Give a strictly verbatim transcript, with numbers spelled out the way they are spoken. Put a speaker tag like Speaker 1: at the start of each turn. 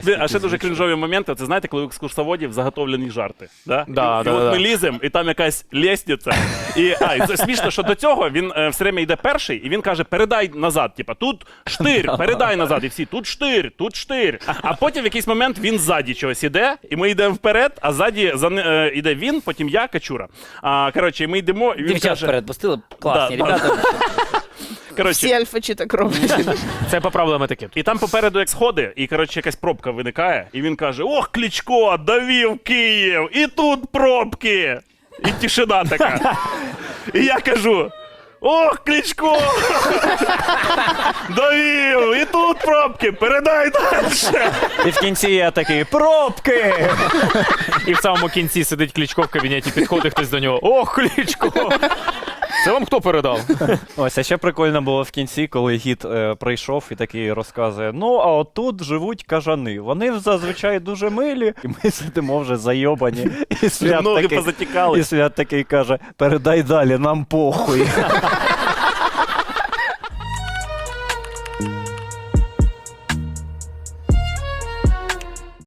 Speaker 1: А ще дуже крінжові моменти, це знаєте, коли у екскурсоводів заготовлені жарти. Да?
Speaker 2: Да,
Speaker 1: і,
Speaker 2: да,
Speaker 1: і от
Speaker 2: да.
Speaker 1: ми ліземо, і там якась лестниця. І, а, і це смішно, що до цього він е, все время йде перший, і він каже, передай назад. Типа, тут штир, передай назад. І всі, тут штир, тут штир. А потім в якийсь момент він ззаді чогось іде, і ми йдемо вперед, а ззаді за, е, іде він, потім я, Качура. А, коротше, ми йдемо, і він
Speaker 3: Дівчат
Speaker 1: каже...
Speaker 3: вперед пустили, класні,
Speaker 1: Да,
Speaker 3: ребята.
Speaker 1: Коротше,
Speaker 4: Всі альфачі так роблять.
Speaker 2: Це по правилам етикету.
Speaker 1: і там попереду як сходи, і, коротше, якась пробка виникає, і він каже, ох, Кличко, довів Київ, і тут пробки. І тишина така. І я кажу, ох, Кличко, довів, і тут пробки, передай далі.
Speaker 5: І в кінці я такий, пробки!
Speaker 2: І в самому кінці сидить Кличко в кабінеті, підходить хтось до нього. Ох, Кличко! Це вам хто передав?
Speaker 5: Ось, а ще прикольно було в кінці, коли гід е, прийшов і такий розказує, ну, а отут живуть кажани. Вони зазвичай дуже милі, і ми сидимо вже зайобані. І Свят,
Speaker 1: Ноги
Speaker 5: такий,
Speaker 1: позатікали.
Speaker 5: і Свят такий каже, передай далі, нам похуй.